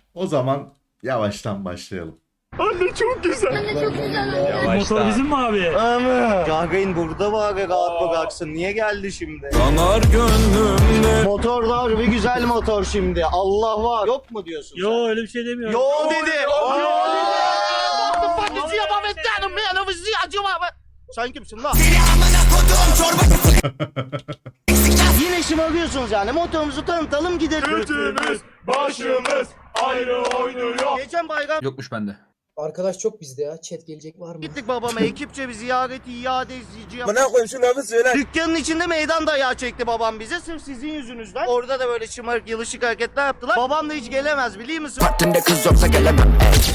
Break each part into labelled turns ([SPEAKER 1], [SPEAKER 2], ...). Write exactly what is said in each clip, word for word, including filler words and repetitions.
[SPEAKER 1] O zaman yavaştan başlayalım.
[SPEAKER 2] Anne çok güzel.
[SPEAKER 3] Anne çok güzel.
[SPEAKER 2] Motor bizim mi abi?
[SPEAKER 4] Ama Gagarin burada var ya, rahat bıraksın. Niye geldi şimdi?
[SPEAKER 2] Yanar gönlümde.
[SPEAKER 4] Motor var, bir güzel motor şimdi. Allah var. Yok mu diyorsun sen?
[SPEAKER 2] Yo öyle bir şey demiyorum.
[SPEAKER 4] Yo dedi.
[SPEAKER 2] Yo,
[SPEAKER 4] Yo
[SPEAKER 2] dedi.
[SPEAKER 4] Sen kimsin lan? Yine şımarıyorsunuz yani. Motorumuzu tanıtalım gidelim.
[SPEAKER 2] Götümüz, başımız ayrı oynuyor.
[SPEAKER 4] Geçen bayram
[SPEAKER 5] Yokmuş bende.
[SPEAKER 6] Arkadaş çok bizde ya. Chat gelecek var mı?
[SPEAKER 4] gittik babama ekipçe bir ziyareti iade izleyici yaptık.
[SPEAKER 6] Bana koyayım şu lafı söyle.
[SPEAKER 4] Dükkanın içinde meydan dayağı çekti babam bize sırf sizin yüzünüzden. Orada da böyle şımarık yılışık hareketler yaptılar. Babam da hiç gelemez biliyor musun?
[SPEAKER 6] Vaktinde kız yoksa gelemem.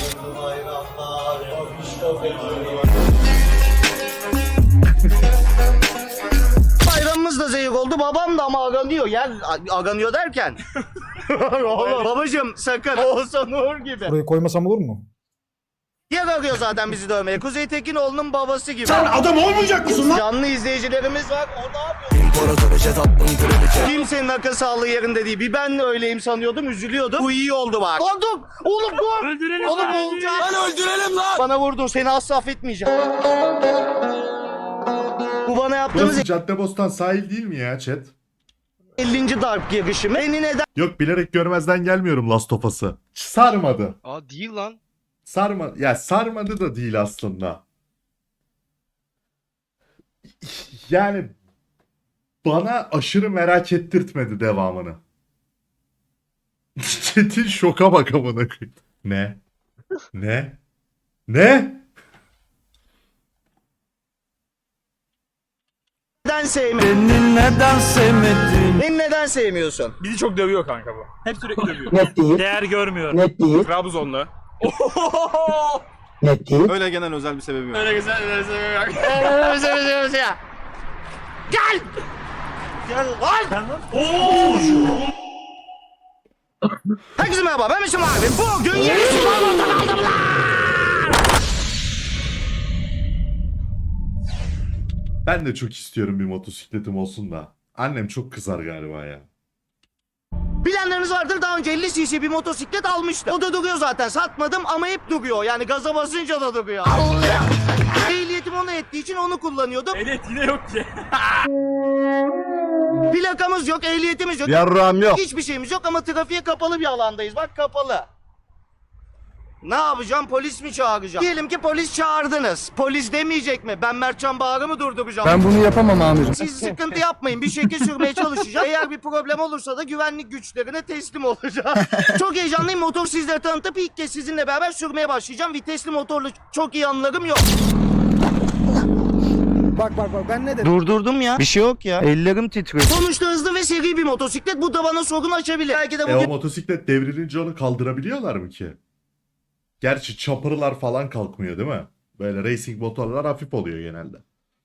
[SPEAKER 4] Bayramımız da zehir oldu. Babam da ama aranıyor. Yer aranıyor derken. Oğlum babacım sakın. Olsa Nur gibi.
[SPEAKER 7] Burayı koymasam olur mu?
[SPEAKER 4] Yer arıyor zaten bizi dövmeye. Kuzey Tekinoğlu'nun babası gibi.
[SPEAKER 7] Sen adam olmayacak mısın lan?
[SPEAKER 4] Canlı izleyicilerimiz var. O ne yapıyor? Kimsenin akıl sağlığı yerinde değil. Bir ben öyleyim sanıyordum. Üzülüyordum. Bu iyi oldu bak. Oldum. Oğlum dur.
[SPEAKER 2] Öldürelim
[SPEAKER 4] Oğlum
[SPEAKER 2] lan,
[SPEAKER 4] olacak.
[SPEAKER 2] öldürelim.
[SPEAKER 4] öldürelim lan. Bana vurdun. Seni asla affetmeyeceğim. Bu bana yaptığınız
[SPEAKER 1] Burası Caddebostan sahil değil mi ya chat?
[SPEAKER 4] ellinci darp girişimi. Beni neden
[SPEAKER 1] Yok bilerek görmezden gelmiyorum Last of Us'ı. Sarmadı.
[SPEAKER 8] Aa değil lan.
[SPEAKER 1] Sarma ya sarmadı da değil aslında. Yani bana aşırı merak ettirtmedi devamını. Çetin şoka bak amına koyayım. Ne? Ne? Ne?
[SPEAKER 4] sevmiyorsun?
[SPEAKER 2] Beni neden sevmedin?
[SPEAKER 4] Beni neden sevmiyorsun?
[SPEAKER 9] Bizi çok dövüyor kanka bu. Hep sürekli dövüyor.
[SPEAKER 7] Net değil.
[SPEAKER 2] Değer görmüyor.
[SPEAKER 7] Net değil.
[SPEAKER 9] Trabzonlu.
[SPEAKER 7] Net değil.
[SPEAKER 8] Öyle genel özel bir sebebi yok.
[SPEAKER 9] Öyle güzel öyle seviyorum.
[SPEAKER 4] Gel! Gel lan! Herkese merhaba, ben Mesut abi. Bugün yeni sporlardan aldım lan!
[SPEAKER 1] Ben de çok istiyorum bir motosikletim olsun da. Annem çok kızar galiba ya.
[SPEAKER 4] Bilenleriniz vardır, daha önce elli cc bir motosiklet almıştım. O da duruyor zaten, satmadım ama hep duruyor. Yani gaza basınca da duruyor. Ehliyetim ona ettiği için onu kullanıyordum.
[SPEAKER 9] Ehliyet yine yok ki.
[SPEAKER 4] Plakamız yok, ehliyetimiz yok.
[SPEAKER 8] Yarrağım yok.
[SPEAKER 4] Hiçbir şeyimiz yok ama trafiğe kapalı bir alandayız. Bak kapalı. Ne yapacağım? Polis mi çağıracağım? Diyelim ki polis çağırdınız. Polis demeyecek mi? Ben Mertcan Bağır'ı mı durduracağım?
[SPEAKER 7] Ben bunu yapamam amirim.
[SPEAKER 4] Siz sıkıntı yapmayın. Bir şekil sürmeye çalışacağım. Eğer bir problem olursa da güvenlik güçlerine teslim olacağım. Çok heyecanlıyım. Motor sizlere tanıtıp ilk kez sizinle beraber sürmeye başlayacağım. Vitesli motorlu çok iyi anılarım yok.
[SPEAKER 6] Bak bak bak ben ne dedim?
[SPEAKER 4] Durdurdum ya. Bir şey yok ya. Ellerim titriyor. Sonuçta hızlı ve seri bir motosiklet. Bu da bana sorun açabilir. Belki de
[SPEAKER 1] E o
[SPEAKER 4] bugün
[SPEAKER 1] motosiklet devrilince onu kaldırabiliyorlar mı ki? Gerçi chopper'lar falan kalkmıyor değil mi? Böyle racing motorlar hafif oluyor genelde.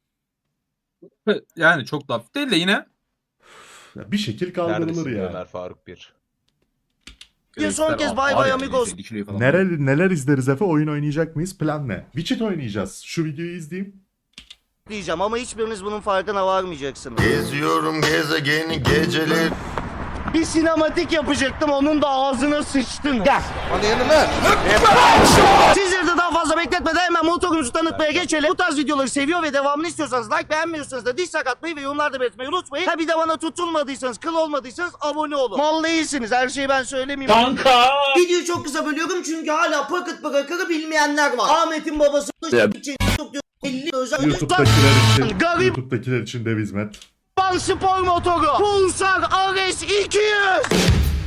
[SPEAKER 5] Yani çok da hafif değil de yine.
[SPEAKER 1] Ya bir şekil kaldırılır ya.
[SPEAKER 8] Ömer Faruk bir.
[SPEAKER 4] Bir son kez bay bay amigos.
[SPEAKER 1] Neler, neler izleriz Efe? Oyun oynayacak mıyız? Plan ne? Witcher oynayacağız. Şu videoyu izleyeyim.
[SPEAKER 4] diyeceğim ama hiçbiriniz bunun farkına varmayacaksınız.
[SPEAKER 10] Geziyorum gezegeni geceleri.
[SPEAKER 4] Bir sinematik yapacaktım, onun da ağzına sıçtın. Gel.
[SPEAKER 10] Hadi yanıma.
[SPEAKER 4] Sizleri de daha fazla bekletmeden hemen motorumuzu tanıtmaya geçelim. Bu tarz videoları seviyor ve devamını istiyorsanız like, beğenmiyorsanız da dislike atmayı ve yorumlarda belirtmeyi unutmayın. Ha bir de bana tutulmadıysanız, kıl olmadıysanız abone olun. Mal değilsiniz, her şeyi ben söylemeyeyim.
[SPEAKER 2] Kanka.
[SPEAKER 4] Videoyu çok kısa bölüyorum çünkü hala Pocket Breaker'ı bilmeyenler var. Ahmet'in babası için elli özel
[SPEAKER 1] YouTube'dakiler için,
[SPEAKER 4] Garip.
[SPEAKER 1] YouTube'dakiler için dev hizmet.
[SPEAKER 4] spor motoru Pulsar R S iki yüz.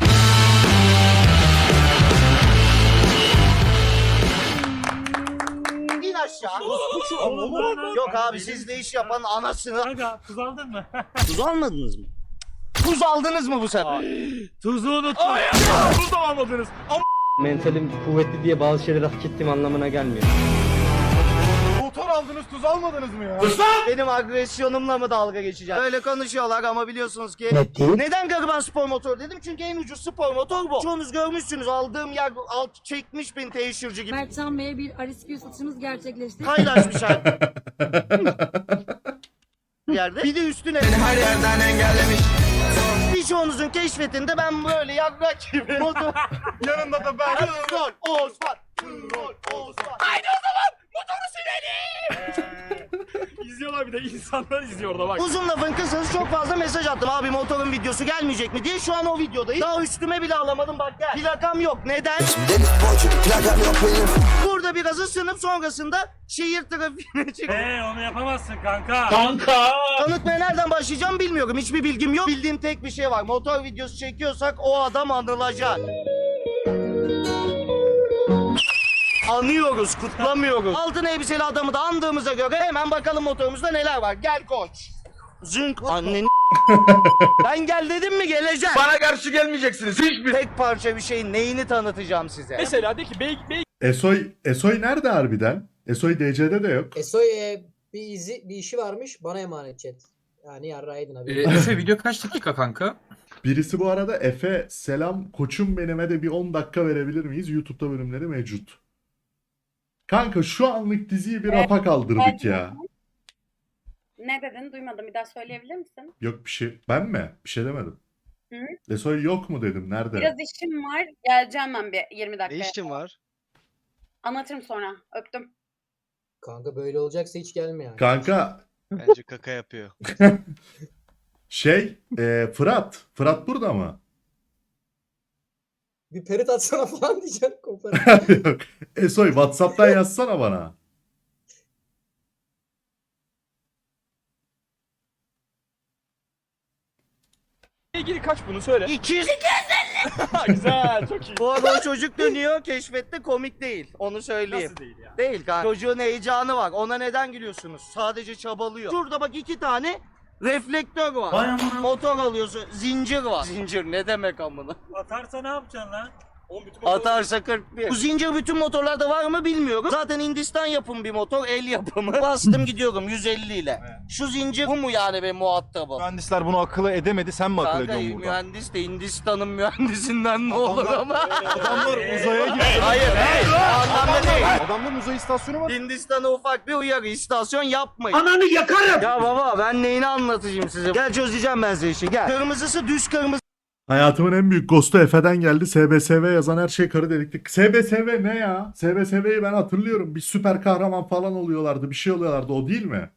[SPEAKER 4] İn aşağı. Yok abi, sizde iş yapan anasını.
[SPEAKER 2] Kanka tuz aldın mı?
[SPEAKER 4] Tuz almadınız mı? Tuz aldınız mı bu sefer?
[SPEAKER 2] Tuzu unuttum. Tuz da almadınız.
[SPEAKER 6] Mentalim kuvvetli diye bazı şeyleri hak ettiğim anlamına gelmiyor.
[SPEAKER 9] Motor aldınız tuz almadınız mı ya?
[SPEAKER 4] Benim agresyonumla mı dalga geçeceğim? Öyle konuşuyorlar ama biliyorsunuz ki.
[SPEAKER 7] Net değil.
[SPEAKER 4] Neden gariban spor motor dedim? Çünkü en ucuz spor motor bu. Çoğunuz görmüşsünüz, aldığım yer alt çekmiş bin teşhirci gibi.
[SPEAKER 3] Mertcan Bey'e bir R S Q satışımız gerçekleşti.
[SPEAKER 4] Paylaşmış her yerde. Bir de üstüne
[SPEAKER 10] Her yerden engellemiş.
[SPEAKER 4] birçoğunuzun keşfetinde ben böyle yarrak gibi motor.
[SPEAKER 9] Yanında da da ben.
[SPEAKER 4] Troll Osman. Troll Osman.
[SPEAKER 2] İzliyorlar bir de insanlar izliyor orada bak.
[SPEAKER 4] Uzun lafın kısası çok fazla mesaj attım. Abi motorun videosu gelmeyecek mi diye. Şu an o videodayım. Daha üstüme bile alamadım bak gel. Plakam yok. Neden? Burada biraz ısınıp sonrasında şehir trafiğine çık.
[SPEAKER 2] Eee onu yapamazsın kanka.
[SPEAKER 4] Tanıtmaya nereden başlayacağım bilmiyorum. Hiçbir bilgim yok. Bildiğim tek bir şey var. Motor videosu çekiyorsak o adam anılacak. Anıyoruz, kutlamıyoruz. Altın elbiseli adamı da andığımıza göre hemen bakalım motorumuzda neler var. Gel koç. Zınk. Annen ben gel dedim mi geleceğim.
[SPEAKER 10] Bana karşı gelmeyeceksiniz hiçbir.
[SPEAKER 4] Tek parça bir şeyin neyini tanıtacağım size.
[SPEAKER 2] Mesela de ki bey bey
[SPEAKER 1] Esoy, Esoy nerede harbiden? Esoy D C'de de yok.
[SPEAKER 6] Esoy e, bir izi bir işi varmış bana emanet chat. Yani yarraydın abi.
[SPEAKER 7] Efe video kaç dakika kanka?
[SPEAKER 1] Birisi bu arada Efe selam koçum benime de bir on dakika verebilir miyiz? YouTube'da bölümleri mevcut. Kanka şu anlık diziyi bir rafa kaldırdık ya.
[SPEAKER 3] Ne dedin? Duymadım. Bir daha söyleyebilir misin?
[SPEAKER 1] Yok bir şey. Ben mi? Bir şey demedim.
[SPEAKER 3] Hı?
[SPEAKER 1] Esoy yok mu dedim. Nerede?
[SPEAKER 3] Biraz işim var. Geleceğim ben bir yirmi
[SPEAKER 8] Ne
[SPEAKER 3] dakika.
[SPEAKER 8] işin var?
[SPEAKER 3] Anlatırım sonra. Öptüm.
[SPEAKER 6] Kanka böyle olacaksa hiç gelme yani.
[SPEAKER 1] Kanka
[SPEAKER 8] Bence kaka yapıyor.
[SPEAKER 1] şey e, Fırat. Fırat burada mı?
[SPEAKER 6] Bir perit atsana falan diyeceğim kopar.
[SPEAKER 1] Yok. Esoy WhatsApp'tan yazsana bana.
[SPEAKER 2] ilgili kaç bunu söyle.
[SPEAKER 4] iki yüz
[SPEAKER 2] Güzel çok iyi.
[SPEAKER 4] Bu arada o çocuk dönüyor keşfette komik değil. Onu söyleyeyim.
[SPEAKER 2] Nasıl değil ya?
[SPEAKER 4] Değil kanka. Çocuğun heyecanı var. Ona neden gülüyorsunuz? Sadece çabalıyor. Şurada bak iki tane reflektör var. Motor alıyorsun. Zincir var. Zincir ne demek amına?
[SPEAKER 2] Atarsa ne yapacaksın lan? Oğlum bütün
[SPEAKER 4] Atarsa kırk bir. Bu zincir bütün motorlarda var mı bilmiyorum. Zaten Hindistan yapımı bir motor. El yapımı. Bastım gidiyorum yüz elli ile. Şu zincir bu mu yani benim muhatabım?
[SPEAKER 9] Mühendisler bunu akıl edemedi, sen mi akıl
[SPEAKER 4] Kanka
[SPEAKER 9] ediyorsun burada?
[SPEAKER 4] mühendis de Hindistan'ın mühendisinden ne olur ama.
[SPEAKER 9] Adamlar uzaya gitti.
[SPEAKER 4] Hayır hayır. O anlamda değil.
[SPEAKER 9] Adamların uzay istasyonu var.
[SPEAKER 4] Hindistan'a ufak bir uyarı istasyon yapmayın. Ananı yakarım. Ya baba ben neyini anlatacağım size? Gel çözeceğim ben size işi gel. Kırmızısı düz kırmızı.
[SPEAKER 1] Hayatımın en büyük ghost'u Efe'den geldi. S B S V yazan her şey karı delikti. S B S V ne ya? S B S V'yi ben hatırlıyorum. Bir süper kahraman falan oluyorlardı. Bir şey oluyorlardı. O değil mi?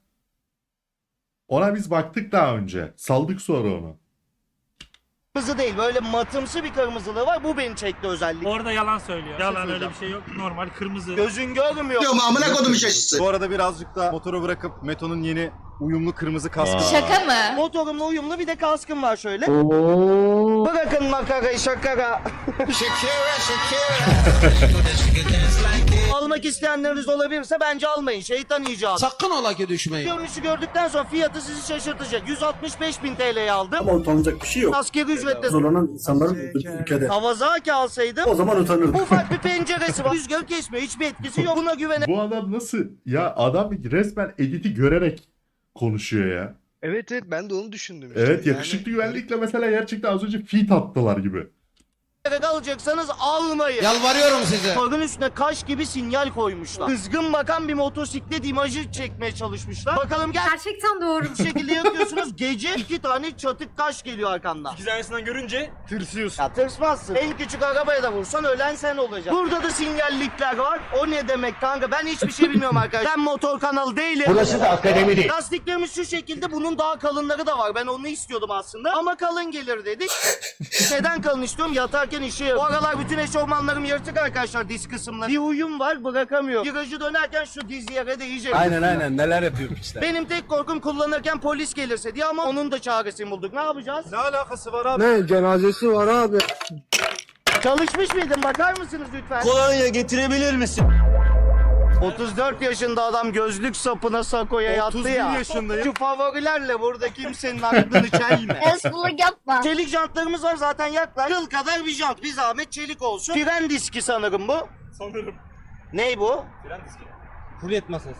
[SPEAKER 1] Ona biz baktık daha önce. Saldık sonra onu.
[SPEAKER 4] Kırmızı değil böyle matımsı bir kırmızılığı var. Bu beni çekti özellikle.
[SPEAKER 2] Orada yalan söylüyor. Yalan öyle bir şey yok. Normal kırmızı.
[SPEAKER 4] Gözün görmüyor.
[SPEAKER 10] Amına kodum şaşısı.
[SPEAKER 9] Bu arada birazcık da motoru bırakıp Meto'nun yeni uyumlu kırmızı kaskı.
[SPEAKER 1] Aa.
[SPEAKER 3] Şaka mı?
[SPEAKER 4] Motorumla uyumlu bir de kaskım var şöyle. Bırakın makarayı şakara.
[SPEAKER 10] Shakira Shakira.
[SPEAKER 4] Almak isteyenleriniz olabilirse bence almayın. Şeytan icadı.
[SPEAKER 7] Sakın ola ki düşmeyin.
[SPEAKER 4] Görünüşü gördükten sonra fiyatı sizi şaşırtacak. yüz altmış beş bin T L'ye aldım.
[SPEAKER 7] Ama utanacak bir şey yok.
[SPEAKER 4] Askeri ücretle
[SPEAKER 7] Zorlanan insanların ülkede.
[SPEAKER 4] Kawasaki alsaydım
[SPEAKER 7] O zaman utanırdım.
[SPEAKER 4] ufak bir penceresi var. Rüzgar kesmiyor. Hiçbir etkisi yok. Buna güvene.
[SPEAKER 1] Bu adam nasıl? Ya adam resmen editi görerek konuşuyor ya.
[SPEAKER 8] Evet evet ben de onu düşündüm. işte.
[SPEAKER 1] Evet
[SPEAKER 8] Yani-
[SPEAKER 1] yakışıklı güvenlikle mesela gerçekten az önce feat attılar gibi.
[SPEAKER 4] alacaksanız almayın.
[SPEAKER 7] Yalvarıyorum size.
[SPEAKER 4] Motorun üstüne kaş gibi sinyal koymuşlar. Kızgın bakan bir motosiklet imajı çekmeye çalışmışlar. Bakalım gel.
[SPEAKER 3] Gerçekten doğru.
[SPEAKER 4] Bu şekilde yakıyorsunuz. Gece iki tane çatık kaş geliyor arkandan.
[SPEAKER 2] İki tanesinden görünce tırsıyorsun.
[SPEAKER 4] Ya tırsmazsın. En küçük arabaya da vursan ölen sen olacaksın. Burada da sinyallikler var. O ne demek kanka? Ben hiçbir şey bilmiyorum arkadaşlar. Ben motor kanalı değilim.
[SPEAKER 7] Burası da akademi değil.
[SPEAKER 4] Lastiklerimiz şu şekilde. Bunun daha kalınları da var. Ben onu istiyordum aslında. Ama kalın gelir dedik. Neden kalın istiyorum? Yatarken işe yarıyor. Bu aralar bütün eşofmanlarım yırtık arkadaşlar diz kısımları. Bir uyum var bırakamıyorum. Virajı dönerken şu diz yere değecek.
[SPEAKER 7] Aynen aynen neler yapıyorum işte.
[SPEAKER 4] Benim tek korkum kullanırken polis gelirse diye ama onun da çaresini bulduk. Ne yapacağız?
[SPEAKER 9] Ne alakası var abi?
[SPEAKER 7] Ne cenazesi var abi.
[SPEAKER 4] Çalışmış mıydın? Bakar mısınız lütfen?
[SPEAKER 7] Kolonya getirebilir misin?
[SPEAKER 4] otuz dört yaşında adam gözlük sapına sakoya yattı
[SPEAKER 9] otuz bir
[SPEAKER 4] ya.
[SPEAKER 9] yaşındayım.
[SPEAKER 4] Şu favorilerle burada kimsenin aklını çelme.
[SPEAKER 3] Eskuluk yapma.
[SPEAKER 4] Çelik jantlarımız var zaten yaklar. Kıl kadar bir jant. Bir zahmet çelik olsun. Fren diski sanırım bu.
[SPEAKER 2] Sanırım.
[SPEAKER 4] Ney bu?
[SPEAKER 2] Fren diski.
[SPEAKER 7] Kulet masası.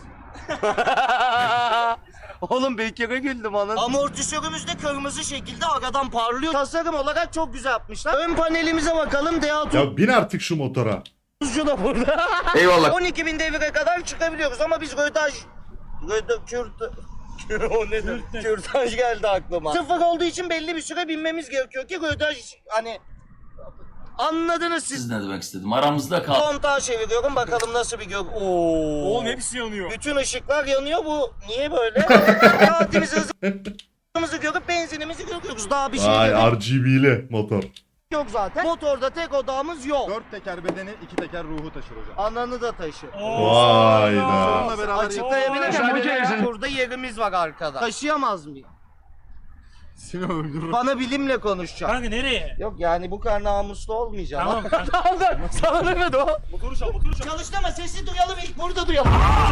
[SPEAKER 4] Oğlum bir kere güldüm anasını. Amortisörümüz de kırmızı şekilde aradan parlıyor. Tasarım olarak çok güzel yapmışlar. Ön panelimize bakalım. D A
[SPEAKER 1] Ya bin artık şu motora.
[SPEAKER 4] tuzcu da burada.
[SPEAKER 10] Eyvallah.
[SPEAKER 4] on iki bin devire kadar çıkabiliyoruz ama biz rötaj... Röda... Kürt... o nedir? Kürtaj geldi aklıma. Sıfır olduğu için belli bir süre binmemiz gerekiyor ki rötaj hani... Anladınız siz.
[SPEAKER 5] Siz ne demek istedim? Aramızda kal.
[SPEAKER 4] Kontağı çeviriyorum bakalım nasıl bir gök. Oo.
[SPEAKER 2] Oğlum hepsi yanıyor.
[SPEAKER 4] Bütün ışıklar yanıyor bu. Niye böyle? Saatimizi hızımızı görüp benzinimizi görüyoruz. Daha bir şey
[SPEAKER 1] Vay
[SPEAKER 4] gerek
[SPEAKER 1] R G B'li motor.
[SPEAKER 4] yok zaten. Motorda tek odağımız yok.
[SPEAKER 9] Dört teker bedeni, iki teker ruhu taşır hocam.
[SPEAKER 4] Ananı da taşır.
[SPEAKER 1] Vay da.
[SPEAKER 9] Onunla beraber
[SPEAKER 4] Açıklayabilirim. Burada yerimiz var arkada. Taşıyamaz mıyım?
[SPEAKER 9] seni öldürürüm.
[SPEAKER 4] Bana bilimle konuşacak.
[SPEAKER 2] Kanka nereye?
[SPEAKER 4] Yok yani bu kadar namuslu olmayacağım.
[SPEAKER 2] Tamam kanka.
[SPEAKER 4] Tamam sana demedi o.
[SPEAKER 2] Motoru çal motoru çal.
[SPEAKER 4] Çalıştırma sesi duyalım ilk burada duyalım.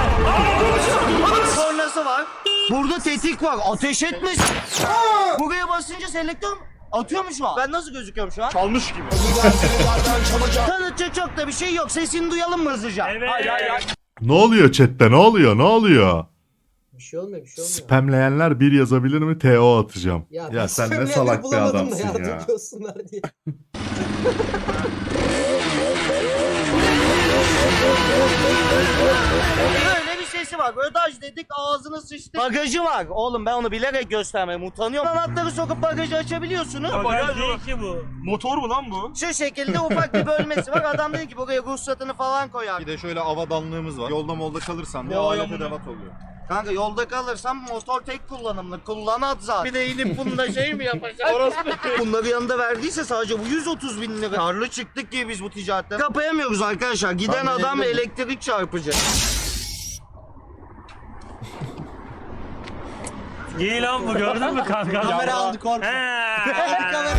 [SPEAKER 4] Sonrası var. Burada tetik var. Ateş etmesin. Buraya basınca selektör atıyor mu şu an? Ben nasıl gözüküyorum şu an?
[SPEAKER 2] Çalmış gibi.
[SPEAKER 4] Tanıtacak çok da bir şey yok. Sesini duyalım mı hızlıca?
[SPEAKER 2] Evet. Hayır hayır hayır.
[SPEAKER 1] Ne oluyor chatte? Ne oluyor? Ne oluyor?
[SPEAKER 6] Bir şey olmuyor bir şey olmuyor.
[SPEAKER 1] Spamleyenler bir yazabilir mi? T O atacağım. Ya,
[SPEAKER 6] ben
[SPEAKER 1] sen ne
[SPEAKER 6] spamleyenleri
[SPEAKER 1] salak bir
[SPEAKER 6] bulamadım da
[SPEAKER 1] adamsın ya.
[SPEAKER 6] yardımcı olsunlar diye.
[SPEAKER 4] Böyle bir sesi var. Ödaj dedik ağzını sıçtı. Bagajı var. Oğlum ben onu bilerek göstermeye utanıyorum. Anahtarı sokup bagajı açabiliyorsunuz.
[SPEAKER 2] Bagaj değil ki bu. Motor mu lan bu?
[SPEAKER 4] Şu şekilde ufak bir bölmesi var. Adam dedi ki buraya ruhsatını falan koyar.
[SPEAKER 9] Bir de şöyle avadanlığımız var. Yolda molda kalırsan bir
[SPEAKER 2] Vay
[SPEAKER 9] alet
[SPEAKER 2] amına.
[SPEAKER 9] edevat oluyor.
[SPEAKER 4] Kanka yolda kalırsam motor tek kullanımlı. Kullanat zaten. Bir de inip bunda şey mi yapacağız? Bunları yanında verdiyse sadece bu yüz otuz bin lira. Karlı çıktık ki biz bu ticaretten. Kapayamıyoruz arkadaşlar. Giden
[SPEAKER 9] Tahmin
[SPEAKER 4] adam
[SPEAKER 9] edebilirim.
[SPEAKER 4] elektrik çarpıcı.
[SPEAKER 2] İyi lan bu gördün mü kanka?
[SPEAKER 6] Kamera aldı korkma.
[SPEAKER 2] He.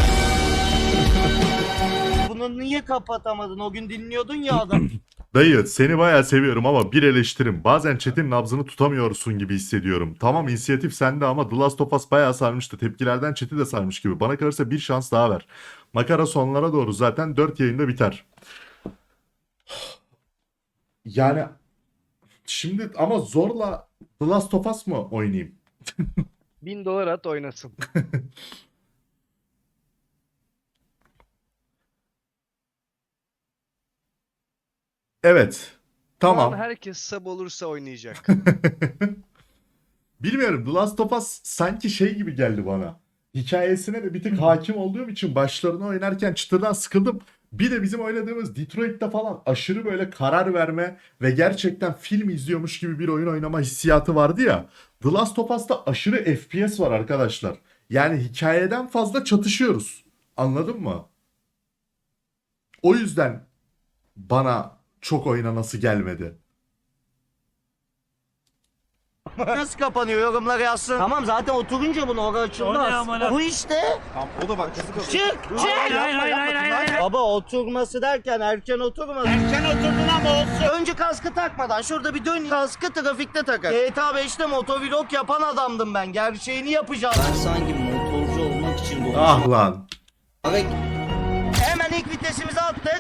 [SPEAKER 4] Bunu niye kapatamadın? O gün dinliyordun ya adam.
[SPEAKER 1] Dayı seni bayağı seviyorum ama bir eleştirim. Bazen chat'in nabzını tutamıyorsun gibi hissediyorum. Tamam inisiyatif sende ama The Last of Us bayağı sarmıştı. Tepkilerden chat'i de sarmış gibi. Bana kalırsa bir şans daha ver. Makara sonlara doğru zaten dört yayında biter. Yani şimdi ama zorla The Last of Us mı oynayayım?
[SPEAKER 8] Bin dolar at oynasın.
[SPEAKER 1] Evet.
[SPEAKER 8] Tamam.
[SPEAKER 1] Tamam.
[SPEAKER 8] Herkes sab olursa oynayacak.
[SPEAKER 1] Bilmiyorum. The Last of Us sanki şey gibi geldi bana. Hikayesine de bir tık hakim olduğum için başlarını oynarken çıtırdan sıkıldım. Bir de bizim oynadığımız Detroit'te falan aşırı böyle karar verme ve gerçekten film izliyormuş gibi bir oyun oynama hissiyatı vardı ya. The Last of Us'ta aşırı F P S var arkadaşlar. Yani hikayeden fazla çatışıyoruz. Anladın mı? O yüzden bana çok oynanası gelmedi.
[SPEAKER 4] Nasıl kapanıyor yorumlara yazsın. Tamam zaten oturunca bunu oraya
[SPEAKER 2] O ne
[SPEAKER 4] açılmaz.
[SPEAKER 2] amına?
[SPEAKER 4] Bu işte.
[SPEAKER 9] Tamam o da bak kızı
[SPEAKER 4] Çık çık.
[SPEAKER 2] Hayır hayır hayır hayır hayır. hayır.
[SPEAKER 4] Baba oturması derken erken oturmadı. Erken oturdun ama olsun. Önce kaskı takmadan şurada bir dön. Kaskı trafikte takar. G T A beşte motovlog yapan adamdım ben. Gerçeğini yapacağım. Ben sanki motorcu olmak için doğmuşum.
[SPEAKER 1] Ah lan.
[SPEAKER 4] Hemen ilk vitesimizi attık.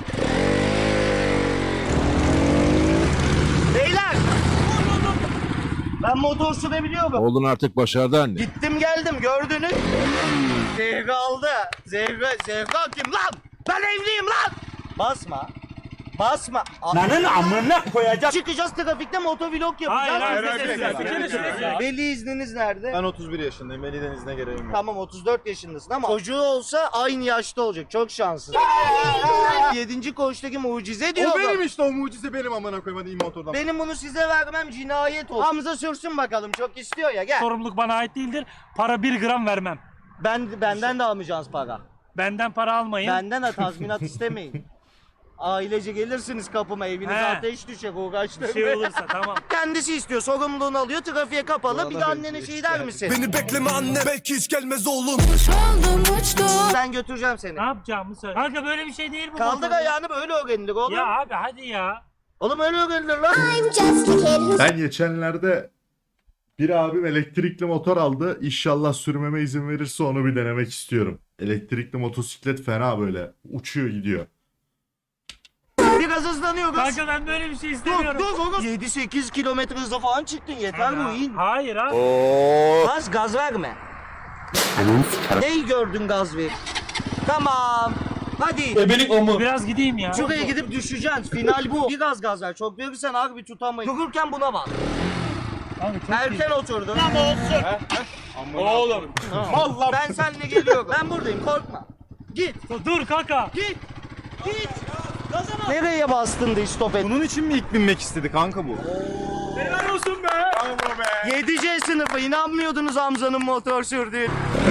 [SPEAKER 4] Beyler. Ben motor sürebiliyorum.
[SPEAKER 7] Oğlun artık başardı anne.
[SPEAKER 4] Gittim geldim gördünüz. Zehra aldı. Zehra, Zehra kim lan? Ben evliyim lan. Basma. Basma. Lanın amına koyacağım. Çıkacağız trafikte motovlog yapacağız.
[SPEAKER 2] Hayır, hayır,
[SPEAKER 4] Biz de
[SPEAKER 2] hayır,
[SPEAKER 4] seslendik.
[SPEAKER 2] hayır, hayır, hayır, hayır.
[SPEAKER 4] Veli izniniz nerede?
[SPEAKER 9] Ben otuz bir yaşındayım. Veli denizine gereğim yok.
[SPEAKER 4] Tamam otuz dört yaşındasın ama çocuğu olsa aynı yaşta olacak. Çok şanslısın. Yedinci koğuştaki mucize diyor.
[SPEAKER 9] O
[SPEAKER 4] adam.
[SPEAKER 9] benim işte o mucize benim amına koyayım hadi in motordan.
[SPEAKER 4] Benim bunu size vermem cinayet olur. Hamza sürsün bakalım çok istiyor ya gel.
[SPEAKER 2] Sorumluluk bana ait değildir. Para bir gram vermem.
[SPEAKER 4] Ben benden de almayacaksınız para.
[SPEAKER 2] Benden para almayın.
[SPEAKER 4] Benden de tazminat istemeyin. Ailece gelirsiniz kapıma evinize
[SPEAKER 2] He.
[SPEAKER 4] ateş düşecek uğraştırmayın.
[SPEAKER 2] Bir şey olursa tamam.
[SPEAKER 4] Kendisi istiyor sorumluluğunu alıyor trafiğe kapalı bir de annene şey der misin?
[SPEAKER 10] Beni bekleme anne belki hiç gelmez oğlum.
[SPEAKER 4] Ben götüreceğim seni.
[SPEAKER 2] Ne yapacağımı söyle. Kanka böyle bir şey değil bu.
[SPEAKER 4] Kaldır
[SPEAKER 2] motor.
[SPEAKER 4] ayağını böyle öğrenilir oğlum.
[SPEAKER 2] Ya abi hadi ya.
[SPEAKER 4] Oğlum öyle öğrenilir lan.
[SPEAKER 1] Ben geçenlerde bir abim elektrikli motor aldı. İnşallah sürmeme izin verirse onu bir denemek istiyorum. Elektrikli motosiklet fena böyle. Uçuyor gidiyor.
[SPEAKER 4] Biraz hızlanıyoruz.
[SPEAKER 2] Kanka ben böyle bir şey
[SPEAKER 4] Dur
[SPEAKER 2] istemiyorum.
[SPEAKER 4] dur dur. yedi sekiz kilometre hızla falan çıktın yeter bu in.
[SPEAKER 2] Hayır abi.
[SPEAKER 4] Gaz gaz verme. Neyi gördün gaz ver? Tamam. Hadi.
[SPEAKER 2] Biraz gideyim ya.
[SPEAKER 4] Şuraya gidip düşeceksin. Final bu. Biraz gaz ver. Çok verirsen harbi tutamayız. Dururken buna bak.
[SPEAKER 2] Kanka çok
[SPEAKER 4] Erken oturdun. Ama olsun. Git. Nereye bastın da istop et?
[SPEAKER 9] Bunun için mi ilk binmek istedi kanka bu?
[SPEAKER 2] Helal olsun be.
[SPEAKER 9] Bravo be.
[SPEAKER 4] yedi C sınıfı inanmıyordunuz Hamza'nın motor sürdüğü.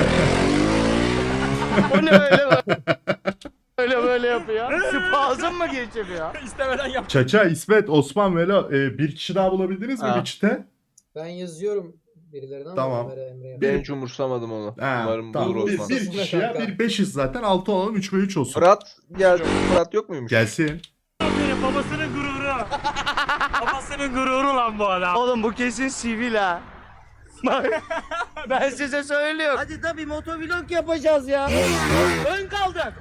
[SPEAKER 4] O ne öyle böyle? Öyle böyle yapıyor. Spazm mı geçiriyor?
[SPEAKER 2] İstemeden yap.
[SPEAKER 1] Çaça, İsmet, Osman, Velo e, bir kişi daha bulabildiniz mi
[SPEAKER 4] Ha.
[SPEAKER 1] bir çite?
[SPEAKER 6] Ben yazıyorum birilerine ama
[SPEAKER 1] Tamam.
[SPEAKER 6] Ömer'e, Emre'ye.
[SPEAKER 1] Bir-
[SPEAKER 5] hiç umursamadım onu.
[SPEAKER 1] Ha,
[SPEAKER 5] Umarım
[SPEAKER 1] tamam.
[SPEAKER 5] bulur
[SPEAKER 1] Bir,
[SPEAKER 5] Osman.
[SPEAKER 1] bir kişi ya, bir beşiz zaten, altı olalım, üç ve üç olsun.
[SPEAKER 5] Fırat gel. Fırat yok muymuş?
[SPEAKER 1] Gelsin.
[SPEAKER 2] Benim babasının gururu. Babasının gururu lan bu adam.
[SPEAKER 4] Oğlum bu kesin sivil ha. Bak, ben size söylüyorum. Hadi tabii motovlog yapacağız ya.
[SPEAKER 2] Ön kaldık.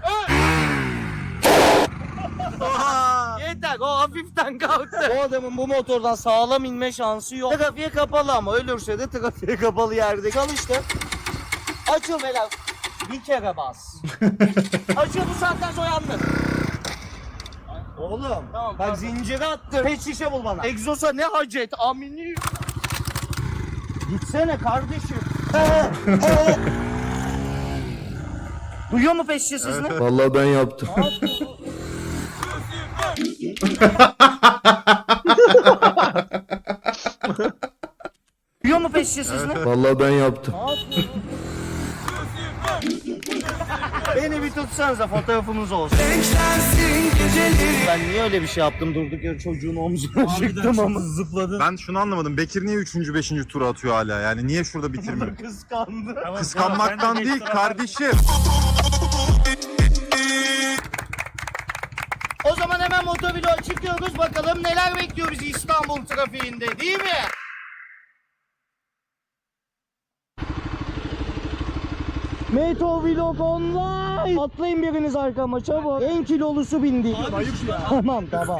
[SPEAKER 4] Oha! Yeter, o hafiften kalktı. O adamın bu motordan sağlam inme şansı yok. Trafiğe kapalı ama ölürse de trafiğe kapalı yerde çalıştı. Açıl beyler. Bir kere bas. Açıl, bu saatten sonra yalnız. Oğlum tamam, bak zinciri attı. Pet şişe bul bana. Egzosa ne hacet amini. Gitsene kardeşim. Duyuyor mu pet şişe sesini?
[SPEAKER 7] Vallahi ben yaptım.
[SPEAKER 4] Duyuyor mu pet şişe sesini?
[SPEAKER 7] Vallahi ben yaptım.
[SPEAKER 4] Beni bir tutsanıza, fotoğrafımız olsun. Ben niye öyle bir şey yaptım, durduk yere çocuğun omzuna çıktım ama zıpladı.
[SPEAKER 9] Ben şunu anlamadım. Bekir niye üçüncü beşinci tura atıyor hala? Yani niye şurada bitirmiyor?
[SPEAKER 4] Kıskandı.
[SPEAKER 9] Kıskanmaktan değil kardeşim.
[SPEAKER 4] O zaman hemen motovlog çıkıyoruz, bakalım neler bekliyor bizi İstanbul trafiğinde, değil mi? Motovlog online. Atlayın biriniz arkama çabuk. En kilolusu bindi. Tamam tamam.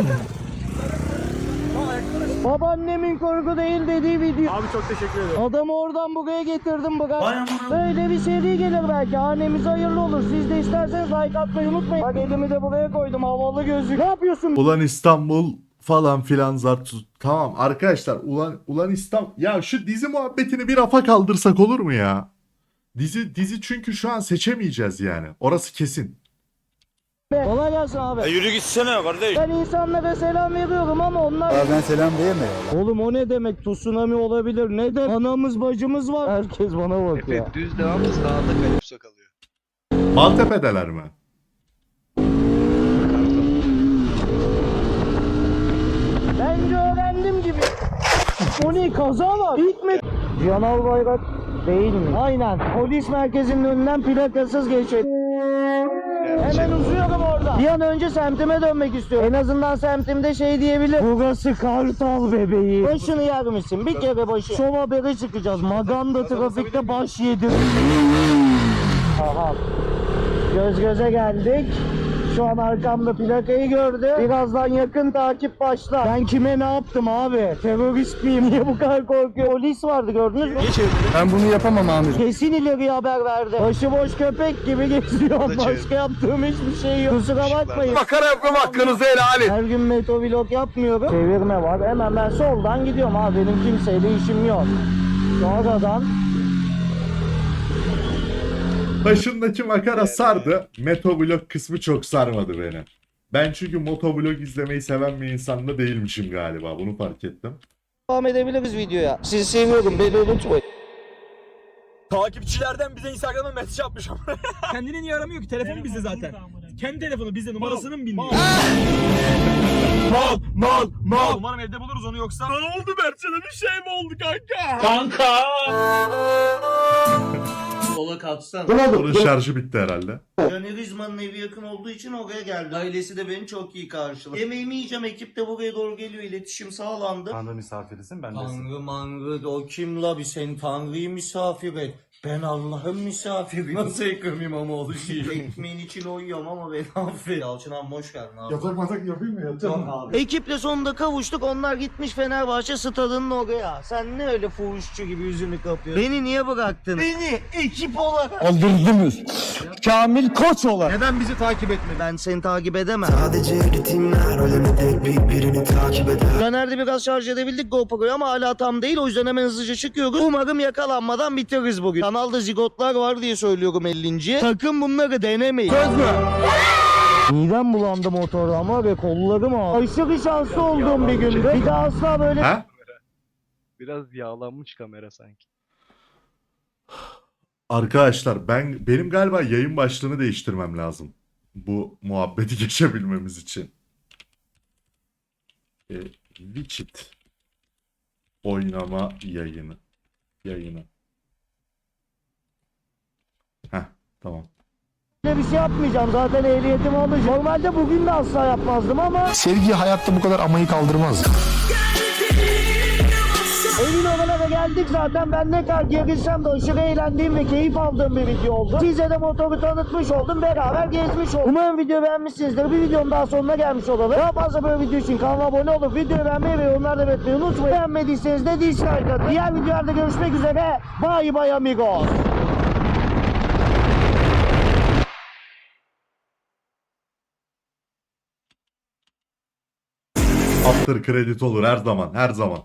[SPEAKER 4] Babaannemin korku değil dediği video.
[SPEAKER 2] Abi çok teşekkür ederim.
[SPEAKER 4] Adamı oradan buraya getirdim bırak. Böyle bir seri gelir belki. Hanemize hayırlı olur. Siz de isterseniz like atmayı unutmayın. Bak elimi de buraya koydum. Havalı gözlük. Ne yapıyorsun?
[SPEAKER 1] Ulan İstanbul falan filan zart. Tamam arkadaşlar, ulan ulan İstanbul. Ya şu dizi muhabbetini bir rafa kaldırsak olur mu ya? Dizi dizi çünkü şu an seçemeyeceğiz yani. Orası kesin.
[SPEAKER 4] Kolay gelsin abi.
[SPEAKER 9] E yürü gitsene kardeş.
[SPEAKER 4] Ben insanlara selam veriyorum ama onlar...
[SPEAKER 7] Ben selam diyemem.
[SPEAKER 4] Oğlum o ne demek? Tsunami olabilir. Neden? Anamız bacımız var. Herkes bana bakıyor.
[SPEAKER 8] Efe düz devam sağda kalipso kalıyor.
[SPEAKER 1] Maltepe'deler mi?
[SPEAKER 4] Bence öğrendim gibi. O ne, kaza var? İlk mi? Cihan Bayrak değil mi? Aynen. Polis merkezinin önünden plakasız geçin. Hemen uzuyorum orada. Bir an önce semtime dönmek istiyorum. En azından semtimde şey diyebilir. Burası Kartal bebeği. Başını yer misin? Bir kere başı. Şov habere çıkacağız. Maganda trafikte baş yedir. Aha. Göz göze geldik. Şu an arkamda plakayı gördü. Birazdan yakın takip başlar. Ben kime ne yaptım abi? Terörist miyim? Niye bu kadar korkuyor? Polis vardı, gördünüz mü?
[SPEAKER 7] Ben bunu yapamam amirim.
[SPEAKER 4] Kesin ileriye haber verdi. Başıboş köpek gibi geziyor.
[SPEAKER 8] O da çevir.
[SPEAKER 4] Başka yaptığım hiçbir şey yok. Kusura bakmayın.
[SPEAKER 9] Makara yapmam hakkınızı helal edin.
[SPEAKER 4] Her gün motovlog yapmıyorum. Çevirme var. Hemen ben soldan gidiyorum abi. Benim kimseyle işim yok. Sonradan
[SPEAKER 1] Başındaki makara sardı. Motovlog kısmı çok sarmadı beni. Ben çünkü motovlog izlemeyi seven bir insan da değilmişim galiba. Bunu fark ettim.
[SPEAKER 4] devam edebiliriz videoya. Sizi seviyorum. Beni unutmayın.
[SPEAKER 2] Takipçilerden bize Instagram'dan mesaj atmış ama. Kendini niye aramıyor ki? Telefon bizde zaten. Kendi telefonu bizde, numarasını mı bilmiyor?
[SPEAKER 9] Mal mal mal.
[SPEAKER 2] Umarım evde buluruz onu, yoksa. Ne oldu Mertcan'a, bir şey mi oldu kanka? Kanka.
[SPEAKER 4] Sola kalksana.
[SPEAKER 1] Onun şarjı bitti herhalde.
[SPEAKER 4] Caner İzman'ın evi yakın olduğu için oraya geldi. Ailesi de beni çok iyi karşıladı. Yemeğimi yiyeceğim, ekip de buraya doğru geliyor. İletişim sağlandı.
[SPEAKER 9] Tanrı misafirisin ben
[SPEAKER 4] Tanrı manrı o kim la, bir sen Tanrı'yı misafir et. Ben Allah'ın misafiri. Nasıl Ekrem İmamoğlu şiiri? Ekmeğin içine uyuyorum ama beni affet. Yalçın abi hoş geldin abi.
[SPEAKER 9] Yatak matak yapayım mı? Yatacağım
[SPEAKER 4] Abi. Ekiple sonunda kavuştuk. Onlar gitmiş Fenerbahçe stadının oraya. Sen ne öyle fuhuşçu gibi yüzünü kapıyorsun? Beni niye bıraktın? Beni ekip olarak.
[SPEAKER 7] Aldırdınız. Kamil Koç olarak.
[SPEAKER 9] Neden bizi takip etmedin?
[SPEAKER 4] Ben seni takip edemem.
[SPEAKER 10] Sadece ritimler ölemedi birbirini takip eder.
[SPEAKER 4] Caner'de biraz şarj edebildik GoPro'yu ama hala tam değil. O yüzden hemen hızlıca çıkıyoruz. Umarım yakalanmadan bitiririz bugün. Kanalda zigotlar var diye söylüyorum ellinci. Sakın bunları denemeyin. Söz mü? Midem bulandı motoru ama ve kollarım ağrıyor. Aşırı şanslı olduğum bir gündü. Bir daha asla böyle...
[SPEAKER 1] Ha?
[SPEAKER 8] Biraz yağlanmış kamera sanki.
[SPEAKER 1] Arkadaşlar ben benim galiba yayın başlığını değiştirmem lazım. Bu muhabbeti geçebilmemiz için. E, Witchit oynama yayını. Yayını. Heh, tamam.
[SPEAKER 4] bir şey yapmayacağım. Zaten ehliyetimi alacağım. Normalde bugün de asla yapmazdım ama...
[SPEAKER 7] Sevgi hayatta bu kadar amayı kaldırmaz.
[SPEAKER 4] Emin olana geldik zaten. Ben ne kadar gerilsem de aşırı eğlendiğim ve keyif aldığım bir video oldu. Size de motoru tanıtmış oldum. Beraber gezmiş olduk. Umarım video beğenmişsinizdir. Bir videonun daha sonuna gelmiş olalım. Daha fazla böyle video için kanala abone olup videoyu beğenmeyi ve yorumlarda belirtmeyi unutmayın. Beğenmediyseniz de dislike atın. Diğer videolarda görüşmek üzere. Bye bye amigos.
[SPEAKER 1] After credit olur her zaman, her zaman.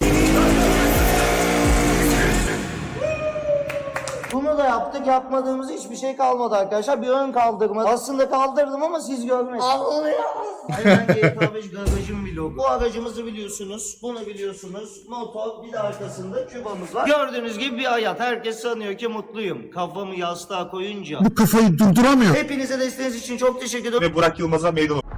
[SPEAKER 4] Bunu da yaptık. Yapmadığımız hiçbir şey kalmadı arkadaşlar. Bir ön kaldırma. Aslında kaldırdım ama siz görmediniz. Aynen G T A beş garajım vlogu. Bu aracımızı biliyorsunuz. Bunu biliyorsunuz. Motor, bir de arkasında kübamız var. Gördüğünüz gibi bir hayat. Herkes sanıyor ki mutluyum. Kafamı yastığa koyunca.
[SPEAKER 7] Bu kafayı durduramıyor.
[SPEAKER 4] Hepinize desteğiniz için çok teşekkür ederim.
[SPEAKER 9] Ve Burak Yılmaz'a meydan